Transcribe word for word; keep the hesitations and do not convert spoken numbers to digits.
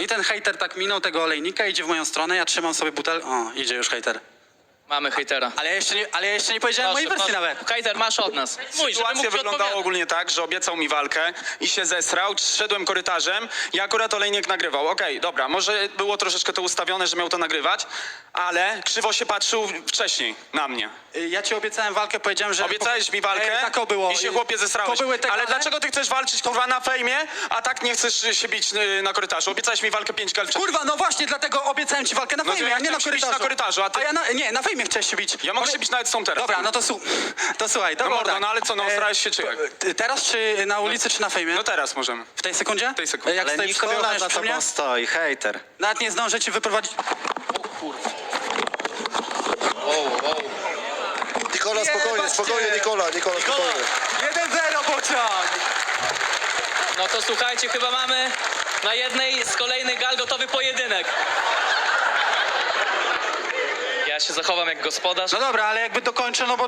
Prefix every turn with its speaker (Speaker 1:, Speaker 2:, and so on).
Speaker 1: No i ten hejter tak minął tego olejnika, idzie w moją stronę, ja trzymam sobie butel... O, idzie już hejter.
Speaker 2: Mamy hejtera.
Speaker 1: Ale ja jeszcze nie, ale ja jeszcze nie powiedziałem mojej wersji
Speaker 2: proszę.
Speaker 1: nawet.
Speaker 2: Hejter, masz od nas. Mój, żeby
Speaker 3: Sytuacja
Speaker 2: mógł ci
Speaker 3: wyglądała
Speaker 2: odpowiadać.
Speaker 3: ogólnie tak, że obiecał mi walkę i się zesrał, szedłem korytarzem i akurat olejnik nagrywał. Okej, dobra, może było troszeczkę to ustawione, że miał to nagrywać, ale krzywo się patrzył wcześniej na mnie.
Speaker 1: Y, Ja ci obiecałem walkę, powiedziałem, że...
Speaker 3: Obiecałeś mi walkę
Speaker 1: Ej, tak to było.
Speaker 3: i się
Speaker 1: Y,
Speaker 3: chłopie zesrałeś.
Speaker 1: To były te
Speaker 3: Ale
Speaker 1: gale?
Speaker 3: dlaczego ty chcesz walczyć kurwa na fejmie, a tak nie chcesz się bić y, na korytarzu? Obiecałeś mi walkę pięć gal wcześniej.
Speaker 1: Kurwa, no właśnie, dlatego obiecałem ci walkę na
Speaker 3: No to
Speaker 1: fejmie,
Speaker 3: ja
Speaker 1: a nie na
Speaker 3: chciałem się bić
Speaker 1: korytarzu.
Speaker 3: na korytarzu, a ty-
Speaker 1: ja na, nie, na fejmie chciałeś się bić.
Speaker 3: Ja mogę się bić nawet z tą teraz.
Speaker 1: Dobra, no to, su... to słuchaj, to
Speaker 3: No
Speaker 1: było
Speaker 3: mordo,
Speaker 1: tak.
Speaker 3: no ale co, no,
Speaker 1: E,
Speaker 3: starałeś się czy jak?
Speaker 1: t- Teraz czy na ulicy, czy na fejmie?
Speaker 3: No teraz możemy.
Speaker 1: W tej sekundzie? W
Speaker 3: tej sekundzie.
Speaker 1: Jak
Speaker 4: Ale
Speaker 1: stoi przy tobie,
Speaker 4: Nikola
Speaker 1: ochroniasz
Speaker 4: za
Speaker 1: przy mnie?
Speaker 4: tobą stoi, hejter.
Speaker 1: Nawet nie zdążę ci wyprowadzić...
Speaker 2: Wow, wow.
Speaker 5: Nikola, spokojnie,
Speaker 1: Jebać
Speaker 5: spokojnie,
Speaker 1: cię.
Speaker 5: Nikola, Nikola, spokojnie.
Speaker 1: jeden zero, bocian!
Speaker 2: No to słuchajcie, chyba mamy na jednej z kolejnych gal gotowy pojedynek. Ja się zachowam jak gospodarz.
Speaker 1: No dobra, ale jakby dokończę, no bo